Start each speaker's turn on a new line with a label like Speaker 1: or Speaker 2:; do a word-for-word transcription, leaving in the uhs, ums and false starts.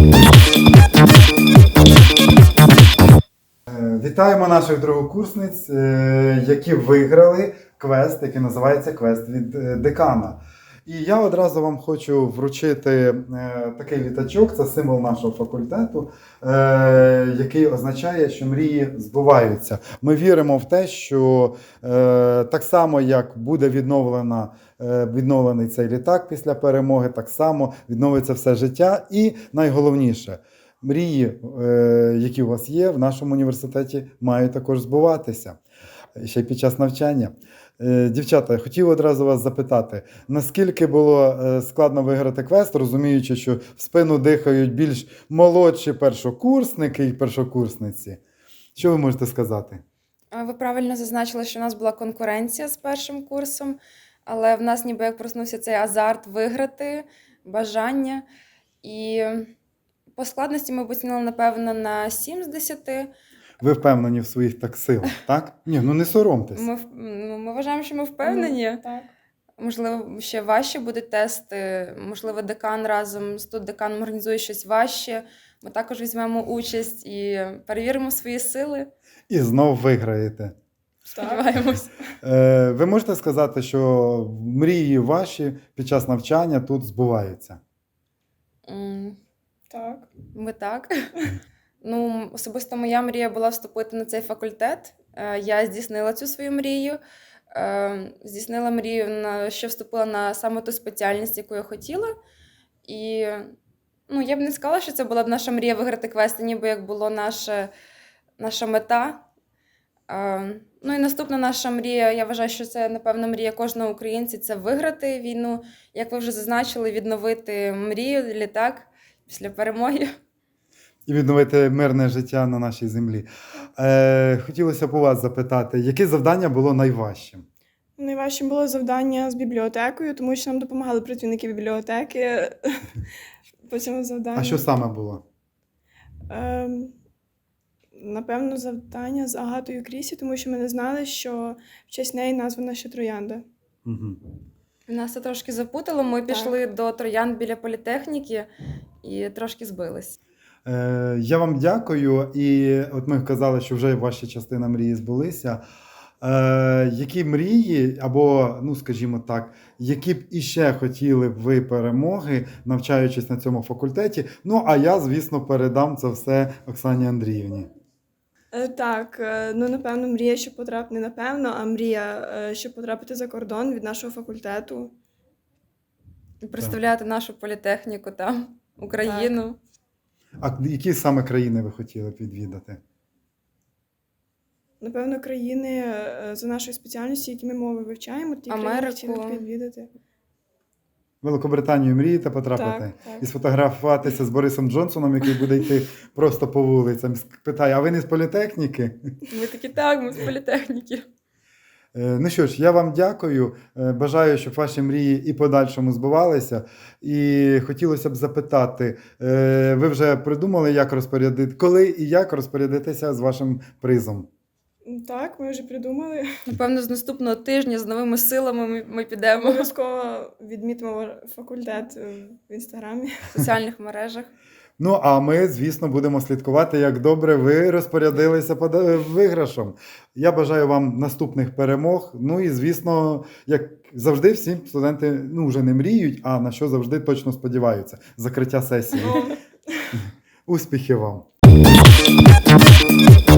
Speaker 1: Вітаємо наших другокурсниць, які виграли квест, який називається «Квест від декана». І я одразу вам хочу вручити такий літачок, це символ нашого факультету, який означає, що мрії збуваються. Ми віримо в те, що так само, як буде відновлена, відновлений цей літак після перемоги, так само відновиться все життя. І найголовніше – мрії, які у вас є в нашому університеті, мають також збуватися, ще й під час навчання. Дівчата, я хотів одразу вас запитати, наскільки було складно виграти квест, розуміючи, що в спину дихають більш молодші першокурсники і першокурсниці? Що ви можете сказати?
Speaker 2: Ви правильно зазначили, що у нас була конкуренція з першим курсом, але в нас ніби як проснувся цей азарт виграти, бажання. І по складності ми б оцінили, напевно, на сім з десяти.
Speaker 1: Ви впевнені в своїх так силах, так? Ні, ну не соромтесь.
Speaker 2: Ми, ну, ми вважаємо, що ми впевнені.
Speaker 3: Mm, так.
Speaker 2: Можливо, ще важче будуть тести. Можливо, декан разом з студдеканом організує щось важче. Ми також візьмемо участь і перевіримо свої сили.
Speaker 1: І знов виграєте.
Speaker 2: Сподіваємось.
Speaker 1: Е, ви можете сказати, що мрії ваші під час навчання тут збуваються?
Speaker 2: Mm.
Speaker 3: Так.
Speaker 2: Ми так. Ну, особисто моя мрія була вступити на цей факультет. Я здійснила цю свою мрію. Здійснила мрію, що вступила на саме ту спеціальність, яку я хотіла. І ну, я б не сказала, що це була б наша мрія виграти квест, ніби як була наша, наша мета. Ну і наступна наша мрія, я вважаю, що це, напевно, мрія кожного українця – це виграти війну. Як ви вже зазначили, відновити мрію, літак після перемоги.
Speaker 1: І відновити мирне життя на нашій землі. Е, хотілося б у вас запитати, яке завдання було найважчим?
Speaker 3: Найважчим було завдання з бібліотекою, тому що нам допомагали працівники бібліотеки по цьому завданню.
Speaker 1: А що саме було?
Speaker 3: Е, напевно, завдання з Агатою Крісі, тому що ми не знали, що в честь неї названа ще Троянда.
Speaker 1: Угу.
Speaker 2: Нас це трошки запутало. Ми так. пішли до Троянд біля політехніки і трошки збились.
Speaker 1: Е, я вам дякую. І от ми казали, що вже ваша частина мрії збулися. Е, які мрії, або, ну скажімо так, які б іще хотіли б ви перемоги, навчаючись на цьому факультеті? Ну, а я, звісно, передам це все Оксані Андріївні.
Speaker 3: Так, ну, напевно, мрія, щоб потрапити, не напевно, а мрія, щоб потрапити за кордон від нашого факультету.
Speaker 2: І представляти так. нашу політехніку там, Україну.
Speaker 1: Так. А які саме країни ви хотіли б відвідати?
Speaker 3: Напевно, країни за нашою спеціальністю, які ми мови вивчаємо, ті
Speaker 2: Америку.
Speaker 3: країни хотіли б відвідати.
Speaker 1: Великобританію мрієте потрапити?
Speaker 3: Так, так.
Speaker 1: І сфотографуватися з Борисом Джонсоном, який буде йти просто по вулицям. Питає, а ви не з політехніки?
Speaker 2: Ми такі, так, ми з політехніки.
Speaker 1: Ну що ж, я вам дякую. Бажаю, щоб ваші мрії і подальшому збувалися. І хотілося б запитати, ви вже придумали, як розпорядити, коли і як розпорядитися з вашим призом?
Speaker 3: Так, ми вже придумали.
Speaker 2: Напевно, з наступного тижня з новими силами ми, ми підемо.
Speaker 3: Обов'язково відмітимо факультет в Інстаграмі.
Speaker 2: В соціальних мережах.
Speaker 1: Ну, а ми, звісно, будемо слідкувати, як добре ви розпорядилися виграшом. Я бажаю вам наступних перемог. Ну і, звісно, як завжди, всі студенти, ну, вже не мріють, а на що завжди точно сподіваються. Закриття сесії. Успіхів вам!